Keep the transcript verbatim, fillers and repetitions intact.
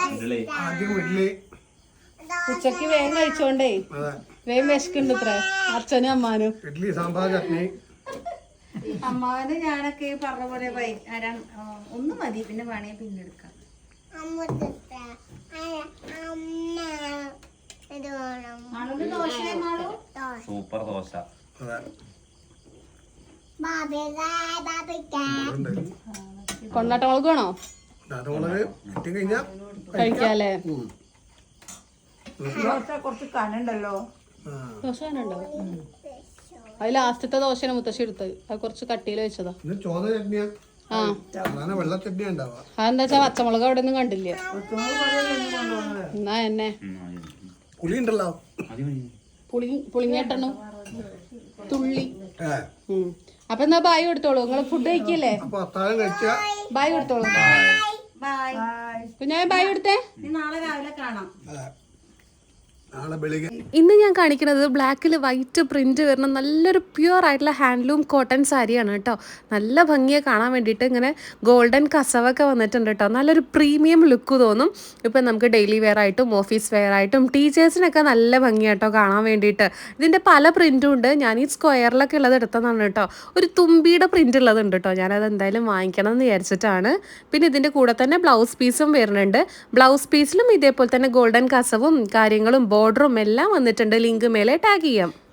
ആദ്യം ഇഡ്ഡലി ഉച്ചക്ക് വേഗം കഴിച്ചോണ്ടേ വേഗം വിശക്കുണ്ട് ഇത്ര അച്ഛനും അമ്മാനും. ഇഡ്ഡലി സാമ്പാർ ചട്നി. അമ്മാവന് ഞാനൊക്കെ പറഞ്ഞ പോലെ ഒന്ന് മതി, പിന്നെ വേണേ പിന്നെ എടുക്കാം. സൂപ്പർ ദോശ. കൊണ്ടാട്ടമുളക് വേണോ കഴിക്കാല്ലേ? കുറച്ച് കനുണ്ടല്ലോ. ദോശ കനുണ്ടോ? അത് ലാസ്റ്റത്തെ ദോശയാണ് മുത്തശ്ശി എടുത്തത്. അത് കുറച്ച് കട്ടിയിൽ വെച്ചതാ. ആ അതെന്താ വെച്ചാ പച്ചമുളക് അവിടെ ഒന്നും കണ്ടില്ല. എന്നാ എന്നെ പുളി പുളിങ്ങേട്ടണു തുള്ളി. അപ്പൊ എന്നാ ബായ് കൊടുത്തോളൂ. നിങ്ങള് ഫുഡ് കഴിക്കല്ലേ? ബായ് കൊടുത്തോളൂ. കുഞ്ഞായ ബായ് കൊടുത്തേ. നാളെ രാവിലെ കാണാം. ഇന്ന് ഞാൻ കാണിക്കുന്നത് ബ്ലാക്കിൽ വൈറ്റ് പ്രിന്റ് വരുന്ന നല്ലൊരു പ്യുവർ ആയിട്ടുള്ള ഹാൻഡ്ലൂം കോട്ടൺ സാരിയാണ് കേട്ടോ. നല്ല ഭംഗിയെ കാണാൻ വേണ്ടിയിട്ട് ഇങ്ങനെ ഗോൾഡൻ കസവൊക്കെ വന്നിട്ടുണ്ട് കേട്ടോ. നല്ലൊരു പ്രീമിയം ലുക്ക് തോന്നും. ഇപ്പം നമുക്ക് ഡെയിലി വെയർ ആയിട്ടും ഓഫീസ് വെയർ ആയിട്ടും ടീച്ചേഴ്സിനൊക്കെ നല്ല ഭംഗിയാട്ടോ കാണാൻ വേണ്ടിയിട്ട്. ഇതിൻ്റെ പല പ്രിന്റും ഉണ്ട്. ഞാൻ ഈ സ്ക്വയറിലൊക്കെ ഉള്ളത് എടുത്തതാണ് കേട്ടോ. ഒരു തുമ്പിയുടെ പ്രിന്റ് ഉള്ളതുണ്ട് കേട്ടോ. ഞാനത് എന്തായാലും വാങ്ങിക്കണം എന്ന് വിചാരിച്ചിട്ടാണ്. പിന്നെ ഇതിൻ്റെ കൂടെ തന്നെ ബ്ലൗസ് പീസും വരുന്നുണ്ട്. ബ്ലൗസ് പീസിലും ഇതേപോലെ തന്നെ ഗോൾഡൻ കസവും കാര്യങ്ങളും ബോർഡറും എല്ലാം വന്നിട്ടുണ്ട്. ലിങ്ക് മേലെ ടാഗ് ചെയ്യാം.